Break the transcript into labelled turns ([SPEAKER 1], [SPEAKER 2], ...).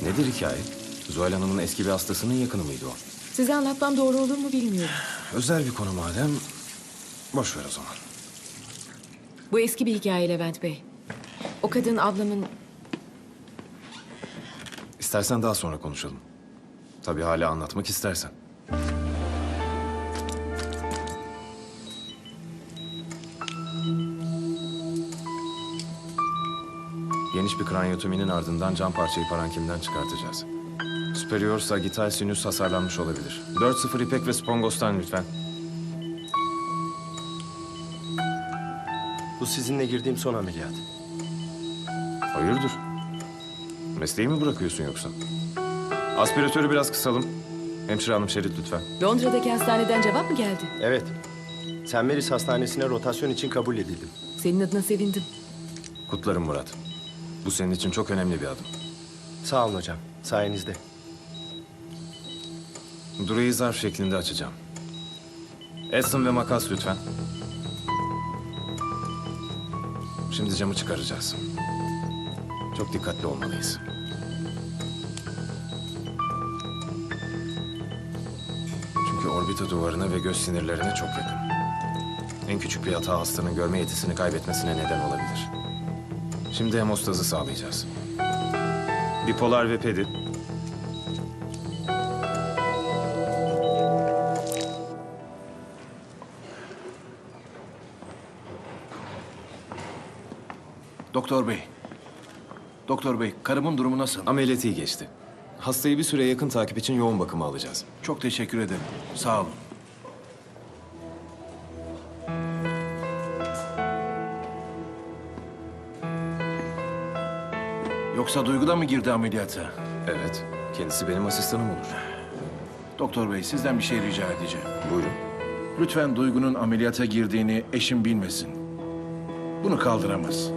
[SPEAKER 1] Nedir hikaye? Zuhal Hanım'ın eski bir hastasının yakını mıydı o?
[SPEAKER 2] Size anlatmam doğru olur mu bilmiyorum.
[SPEAKER 1] Özel bir konu madem, boş ver o zaman.
[SPEAKER 2] Bu eski bir hikaye Levent Bey. O kadın ablamın...
[SPEAKER 1] İstersen daha sonra konuşalım. Tabii hala anlatmak istersen. Geniş bir kraniotominin ardından cam parçayı parankimden çıkartacağız. Superior sagittal sinüs hasarlanmış olabilir. 4-0 ipek ve spongostan lütfen.
[SPEAKER 3] Bu sizinle girdiğim son ameliyat.
[SPEAKER 1] Hayırdır? Mesleği mi bırakıyorsun yoksa? Aspiratörü biraz kısalım. Hemşire hanım şerit lütfen.
[SPEAKER 2] Londra'daki hastaneden cevap mı geldi?
[SPEAKER 3] Evet. St. Mary's Hastanesi'ne rotasyon için kabul edildim.
[SPEAKER 2] Senin adına sevindim.
[SPEAKER 1] Kutlarım Murat. Bu senin için çok önemli bir adım.
[SPEAKER 3] Sağ olun hocam. Sayenizde.
[SPEAKER 1] Durayı zarf şeklinde açacağım. Edson ve makas lütfen. Şimdi camı çıkaracağız. Çok dikkatli olmalıyız. Çünkü orbita duvarına ve göz sinirlerine çok yakın. En küçük bir hata hastanın görme yetisini kaybetmesine neden olabilir. Şimdi hemostazı sağlayacağız. Bipolar ve pedi.
[SPEAKER 4] Doktor bey. Doktor bey, karımın durumu nasıl?
[SPEAKER 1] Ameliyatı iyi geçti. Hastayı bir süre yakın takip için yoğun bakıma alacağız.
[SPEAKER 4] Çok teşekkür ederim. Sağ olun. Yoksa Duygu da mı girdi ameliyata?
[SPEAKER 1] Evet, kendisi benim asistanım olur.
[SPEAKER 4] Doktor bey, sizden bir şey rica edeceğim.
[SPEAKER 1] Buyurun.
[SPEAKER 4] Lütfen Duygu'nun ameliyata girdiğini eşim bilmesin. Bunu kaldıramaz.